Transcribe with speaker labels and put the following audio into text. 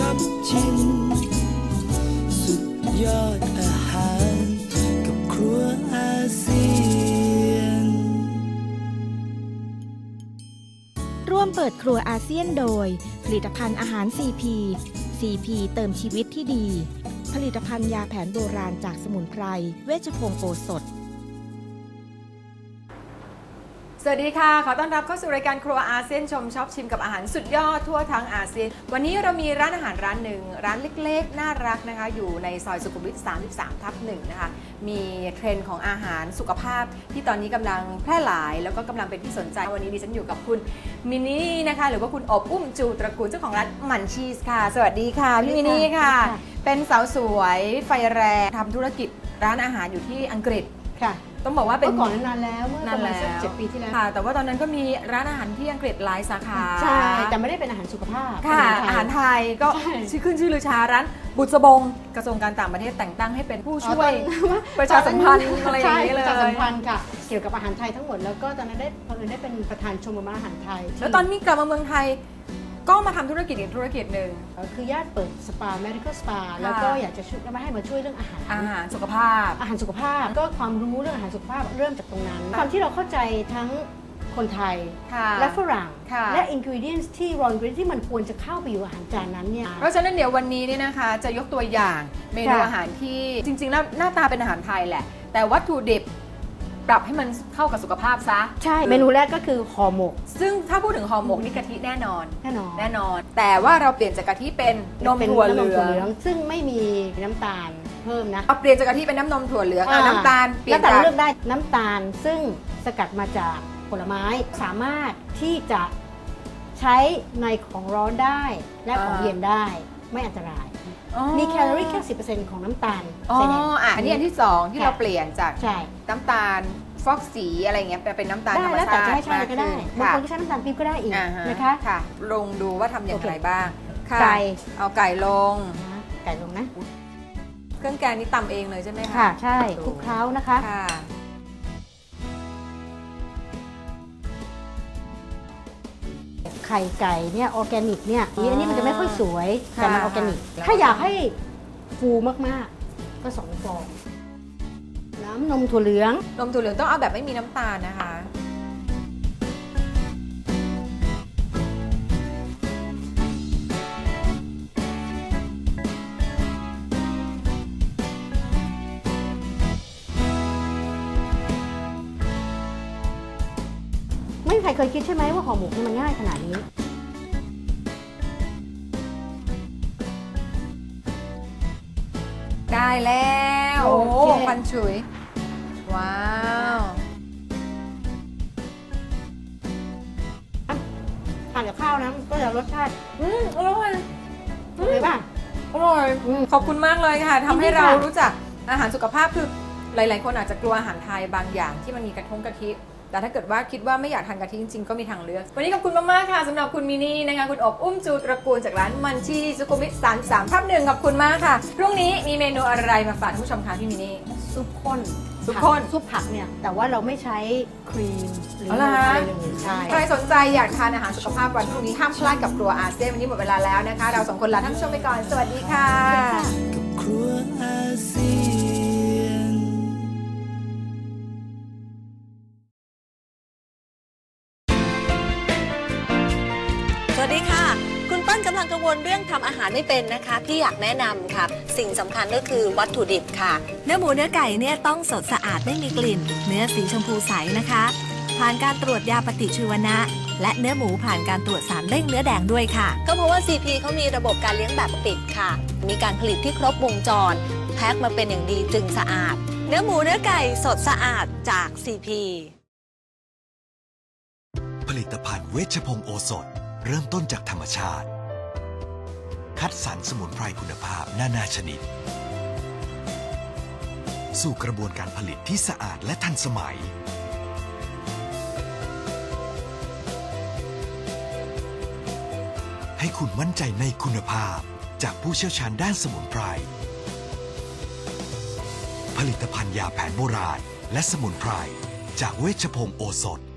Speaker 1: บชิมสุดยอดอาหารกับครัวอาเซียน
Speaker 2: ร่วมเปิดครัวอาเซียนโดยผลิตภัณฑ์อาหาร CP CP เติมชีวิตที่ดีผลิตภัณฑ์ยาแผนโบราณจากสมุนไพรเวชพงศ์โอสถ
Speaker 3: สวัสดีค่ะขอต้อนรับเข้าสู่รายการครัวอาเซียนชมช็อปชิมกับอาหารสุดยอดทั่วทั้งอาเซียนวันนี้เรามีร้านอาหารร้านหนึ่งร้านเล็กๆน่ารักนะคะอยู่ในซอยสุขุมวิท 33/1 นะคะมีเทรนด์ของอาหารสุขภาพที่ตอนนี้กำลังแพร่หลายแล้วก็กำลังเป็นที่สนใจวันนี้ดิฉันอยู่กับคุณมินนี่นะคะหรือว่าคุณอบอุ้มจูตระกูลเจ้าของร้านหมั่นชีสค่ะสวัสดีค่ะพี่มินนี่ค่ะเป็นสาวสวยไฟแรงทำธุรกิจร้านอาหารอยู่ที่อังกฤษค่ะต้องบอกว่าเป็น
Speaker 4: ก่อนนานแล้วเมื่อประมาณสัก7 ปีที่แล้ว
Speaker 3: ค่ะแต่ว่าตอนนั้นก็มีร้านอาหารที่อังกฤษหลายสาขา
Speaker 4: ใช่แต่ไม่ได้เป็นอาหารสุขภาพ
Speaker 3: ค่ะอาหารไทยก็ชื่อขึ้นชื่อลือชาร้านบุษบงกระทรวงการต่างประเทศแต่งตั้งให้เป็นผู้ช่วยประชาสัมพันธ์อะไรอย่างนี้เลย
Speaker 4: ประชาสัมพันธ์ค่ะเกี่ยวกับอาหารไทยทั้งหมดแล้วก็ตอนนั้นได้เป็นประธานชมรมอาหารไทย
Speaker 3: แล้วตอนนี้กลับมาเมืองไทยก็มาทำธุรกิจอีกธุรกิจหนึ่ง
Speaker 4: คือญาติเปิดสปา medical spa แล้วก็อยากจะช่วยมาให้มาช่วยเรื่องอาหาร
Speaker 3: สุขภาพ
Speaker 4: ก็ความรู้เรื่องอาหารสุขภาพเริ่มจากตรงนั้นความที่เราเข้าใจทั้งคนไทยและฝรั่งและ ingredients ที่ raw ingredients ที่มันควรจะเข้าไปอยู่อาหารจานนั้นเนี่ย
Speaker 3: เพราะฉะนั้นเดี๋ยววันนี้เนี่ยนะคะจะยกตัวอย่างเมนูอาหารที่จริงๆแล้วหน้าตาเป็นอาหารไทยแหละแต่วัตถุดิบปรับให้มันเข้ากับสุขภาพซะ
Speaker 4: ใช่เมนูแรกก็คือห่อหมก
Speaker 3: ซึ่งถ้าพูดถึงห่อหมกนี่กะทิแน่นอนแต่ว่าเราเปลี่ยนจากกะทิเป็นนมถั่วเหลือง
Speaker 4: ซึ่งไม่มีน้ำตาลเพิ่มนะ
Speaker 3: เปลี่ยนจากกะทิเป็นน้ำนมถั่วเหลืองน้ำตาล
Speaker 4: เปลี่ยนจากเลือกได้น้ำตาลซึ่งสกัดมาจากผลไม้สามารถที่จะใช้ในของร้อนได้และของเย็นได้ไม่อันตรายมีแคลอรี่แค่ 10% ของน้ำตาล
Speaker 3: ใส่แดงอันนี้อันที่2ที่เราเปลี่ยนจากน้ำตาลฟอกสีอะไรเงี้ยเป็นน้ำตาลธรรมชาติ
Speaker 4: ได้แล้วแต่จะให้ใช้ก็ได้บางคนก็ใช้น้ำตาลปี๊บก็ได้อีกนะคะ
Speaker 3: ค่ะลงดูว่าทำอย่างไรบ้าง
Speaker 4: ไก่
Speaker 3: เอาไก่ลง
Speaker 4: นะ
Speaker 3: เครื่องแกงนี่ตำเองเลยใช่ไหมคะ
Speaker 4: ค่ะใช่คลุกเคล้านะคะไข่ไก่เนี่ยออร์แกนิกเนี่ยอันนี้มันจะไม่ค่อยสวยแต่มันออร์แกนิกถ้าอยากให้ฟูมากๆก็2 ฟองน้ำนมถั่วเหลือง
Speaker 3: ต้องเอาแบบไม่มีน้ำตาลนะคะ
Speaker 4: ไม่มีใครเคยคิดใช่ไหมว่าห่อหมกนี่มันง่ายขนาดนี้
Speaker 3: ได้แล้วโอ้ควันฉุยว้าว
Speaker 4: ทานกับข้าวนะก็จะรสชาติ
Speaker 3: อร่อย
Speaker 4: เลยป่ะ
Speaker 3: อร่อยขอบคุณมากเลยค่ะทำให้เรารู้จักอาหารสุขภาพคือหลายๆคนอาจจะกลัวอาหารไทยบางอย่างที่มันมีกะทิแต่ถ้าเกิดว่าคิดว่าไม่อยากทานกะทิจริงๆก็มีทางเลือกวันนี้ขอบคุณมากๆค่ะสำหรับคุณมินี่นะคะคุณอบอุ้มจูตระกูลจากร้านมันชีสุขุมวิท 33/1ขอบคุณมากค่ะพรุ่งนี้มีเมนูอะไรมาฝากท่านผู้ชมคะพี่มินี่
Speaker 4: ซุปข้นซุปผักเนี่ยแต่ว่าเราไม่ใช้ครีมหรืออะไรเลย
Speaker 3: ใครสนใจอยากทานอาหารสุขภาพวันพรุ่งนี้ห้ามพลาดกับครัวอาเซียนวันนี้หมดเวลาแล้วนะคะเรา2 คนลาท่านผู้ชมไปก่อนสวัสดีค่ะ
Speaker 1: กับครัวอาเซียน
Speaker 5: สวัสดีค่ะคุณปั้นกำลังกังวลเรื่องทำอาหารไม่เป็นนะคะพี่อยากแนะนำค่ะสิ่งสำคัญก็คือวัตถุดิบค่ะเนื้อหมูเนื้อไก่เนี่ยต้องสดสะอาดไม่มีกลิ่นเนื้อสีชมพูใสนะคะผ่านการตรวจยาปฏิชีวนะและเนื้อหมูผ่านการตรวจสารเร่งเนื้อแดงด้วยค่ะก็เพราะว่า CP เขามีระบบการเลี้ยงแบบปิดค่ะมีการผลิตที่ครบวงจรแพ็คมาเป็นอย่างดีจึงสะอาดเนื้อหมูเนื้อไก่สดสะอาดจาก CP
Speaker 6: ผลิตภัณฑ์เวชพงศ์โอสถเริ่มต้นจากธรรมชาติคัดสรรสมุนไพรคุณภาพนานาชนิดสู่กระบวนการผลิตที่สะอาดและทันสมัยให้คุณมั่นใจในคุณภาพจากผู้เชี่ยวชาญด้านสมุนไพรผลิตภัณฑ์ยาแผนโบราณและสมุนไพรจากเวชพงศ์โอสถ